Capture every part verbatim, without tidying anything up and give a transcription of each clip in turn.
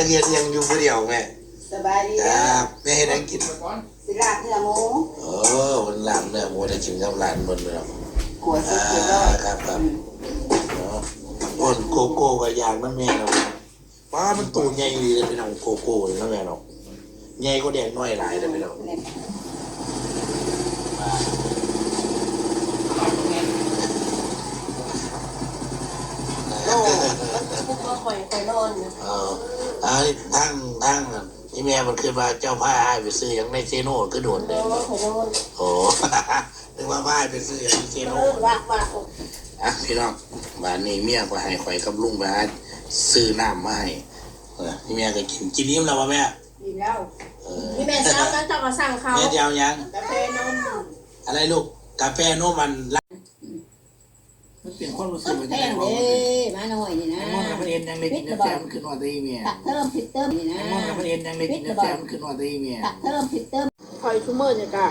จะเรียนยังอยู่คนเดียวแม่สบายดีครับแม่ให้นั่งกินสิลาบเนื้อหมูโอ้มันลาบเนื้อหมูได้กินกับร้านบนเลยขวดสุดยอดครับครับบนโกโก้กับยางนั่นแม่เราป้ามันตูใหญ่ดีเลยพี่น้องโกโก้เลยนะแม่เราใหญ่ก็แดงน้อยหลายเลยพี่น้องโอ้มันทุกข์ก็คอยคอยนอนเอออันนี้ทั้งทั้งนี่แม่มันขึ้นมาเจ้าผ้าให้ไปซื้ออย่างในเซโน่ก็โดนเลยโอ้นึกว่าผ้าไปซื้ออย่างในเซโน่อ่ะพี่น้องบ้านนี้เมียก็ให้ข่อยกับลุงไปหาซื้อน้ำมาให้นี่แม่ก็กินกินนิ่มแล้วป่ะแม่กินแล้วนี่แม่เช้าแล้วจะมาสั่งเขาแม่เดียวยังกาแฟนมอะไรลูกกาแฟนมมันมันเปลี่ยนความรู้สึกมันแพงเลยมาหน่อยนี่นะมอนกับประเด็นยังได้กินกาแฟมันขึ้นว่าตีเมียเติมผิดเติมนี่นะมอนกับประเด็นยังได้กินกาแฟมันขึ้นว่าตีเมียเติมผิดเติมคอยชั่วโมงเนี่ยกะ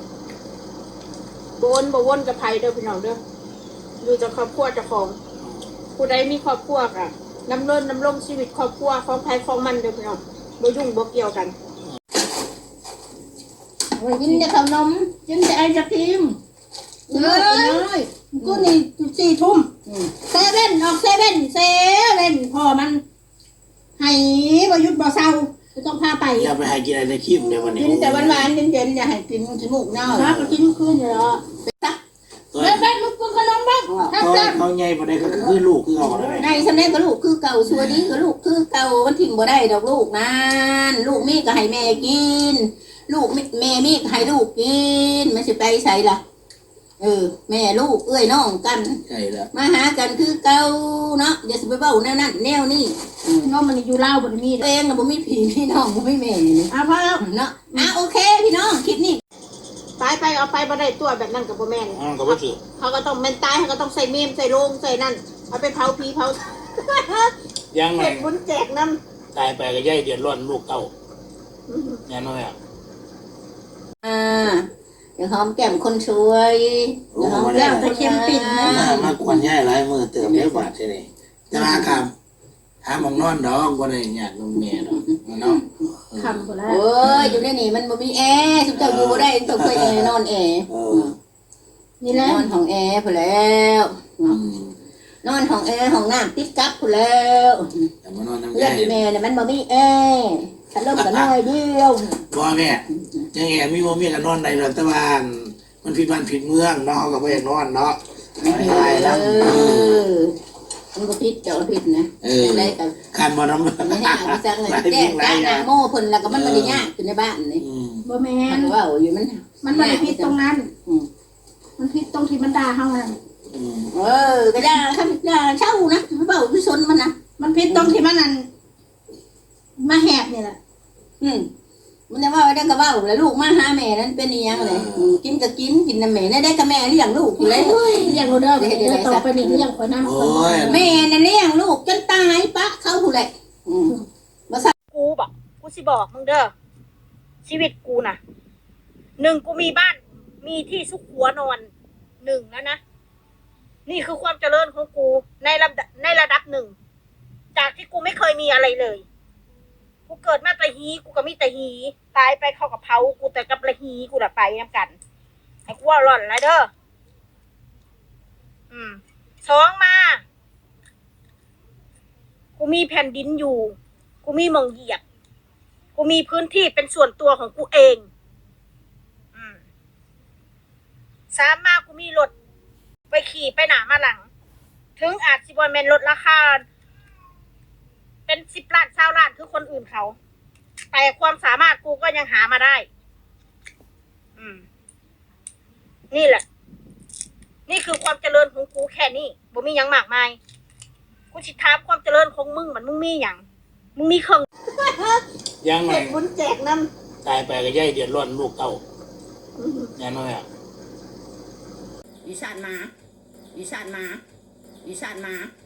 บวนบวนกับไผ่เด้อพี่น้องเด้อดูจากครอบครัวเจ้าของผู้ใดมีครอบครัวกะน้ำเลินน้ำลงชีวิตครอบครัวของไผ่ของมันเด้อพี่น้องบ่ยุ่งบ่เกี่ยวกันกินแต่ขนมกินแต่ไอศครีมเฮ้ยกูนี่สี่ทุ่มเซเว่นออกเซเว่นเซเว่นพอมันให้บยุทธ์บ่เศร้าต้องพาไปอย่าไปให้กินไอศครีมในวันนี้กินแต่วันวานเย็นๆอย่าให้กินจมูกเน่าครับกินคืนเนาะเล่นเล่นลูกขนมบ้างเขาใหญ่บ่ได้ก็คือลูกคือเขาในสำเร็จก็ลูกคือเก่าชัวนี้ก็ลูกคือเก่ามันถิ่มบ่ได้ดอกลูกนั่นลูกมีก็ให้แม่กินลูกแม่มีก็ให้ลูกกินมันสิไปใส่ล่ะเออแม่ลูกเอ้ยน้องกันใช่แล้วมาหากันคือเก่าเนาะอย่าสิไปเว้าแนวนั้นแนวนี้น้องมันอยู่ลาวบ่มีเองน่ะบ่มีพี่พี่น้องบ่มีแม่นี่อ่ะพอแล้วเนาะอ่ะโอเคพี่น้องคลิปนี้ตายไปเอาไปบ่ได้ตัวแบบนั้นกับบ่แม่นอ๋อก็บ่ถือเขาก็ต้องแม่นตายเขาก็ต้องใส่เมมใส่โรงใส่นั่นเอาไปเผาผีเผายังไงเก็บบุญแจกนำตายไปก็ย่ายเดือดร้อนลูกเต้าแน่นอนอ่ะอ่าเดี๋ยวหอมแก้มคนช่วยเดี๋ยวหอมแก้มตะเค็มปิ่นนะมากวนย่ายหลายมือเติมเยอะกว่าใช่ไหมจะมาครับหาหมองนอนดอกบ่ได้ญาตินมแม่ดอกเนาะคำบ่แล้วเอ้ยอยู่ในนี่มันบ่มีแอร์สุดเจ้าอยู่บ่ได้ต้องเคยนอนแอร์นี่แหละนอนของแอร์พุ่นแล้วนอนของแอร์ของน้ำติดกับพุ่นแล้วแต่มานอนน้ำแย่แม่เนี่ยมันบ่มีแอร์ฉันเริ่มกันน้อยเดียวบ่แม่ยังไงมีบ่มีกันนอนในรัฐบาลมันผิดบ้านผิดเมืองเนาะเขาก็บ่อยากนอนเนาะตายแล้วมันก็ผิดเจ้าผิดนะได้กันการบ่น้ำไม่ให้เอาจังเลยแจ้งจ้าหน้าโม่เพิ่นแล้วก็มันบ่ได้ยากอยู่ในบ้านนี่บ่แม่นมันว่าอยู่มันมันบ่ได้ผิดตรงนั้นมันผิดตรงที่มันด่าเฮานั่นเออก็ด่าคำด่าเช่านะมันเว้าวิชนมันนะมันผิดตรงที่มันนั่นมาแหบนี่แหละอืมมันจะว่าได้ก็ว่าแล้วลูกมาหาแม่นั้นเป็นยังไงกินก็กินกินน้ำแม่ได้ได้กับแม่เลี้ยงลูกอยู่เลยเลี้ยงลูกเด้อเดี๋ยวต่อไปนี่เลี้ยงคนนั้นแม่น่ะเลี้ยงลูกจนตายปะเขาผู้ใดมาสั่งกูบอกกูสิบอกมึงเด้อชีวิตกูน่ะหนึ่งกูมีบ้านมีที่ซุกหัวนอนหนึ่งแล้วนะนี่คือความเจริญของกูในระดับในระดับหนึ่งจากที่กูไม่เคยมีอะไรเลยกูเกิดมาแต่ฮีกูก็มีแต่ฮีตายไปเข้ากับเผากูแต่กับละฮีกูละไปน้ำกันไอ้กูว่าหล่อนแล้วเด้ออืมสองมากูมีแผ่นดินอยู่กูมีมองเหยียบกูมีพื้นที่เป็นส่วนตัวของกูเองอืมสามมากูมีรถไปขี่ไปหนามาหลังถึงอาจสิบวันเมนลดราคาเป็นสิบล้านเช้าล้านคือคนอื่นเขาแต่ความสามารถกูก็ยังหามาได้อืมนี่แหละนี่คือความเจริญของกูแค่นี้บ่มียังมากมายกูสิถามความเจริญของมึงมันมึงมีอย่างมึงมีเครื่องยังไงบุญแจกน้ำตายไปก็ย่ายเดือดร้อนลูกเต้าแน่นอนอ่ะดิฉันมาดิฉันมาดิฉันมา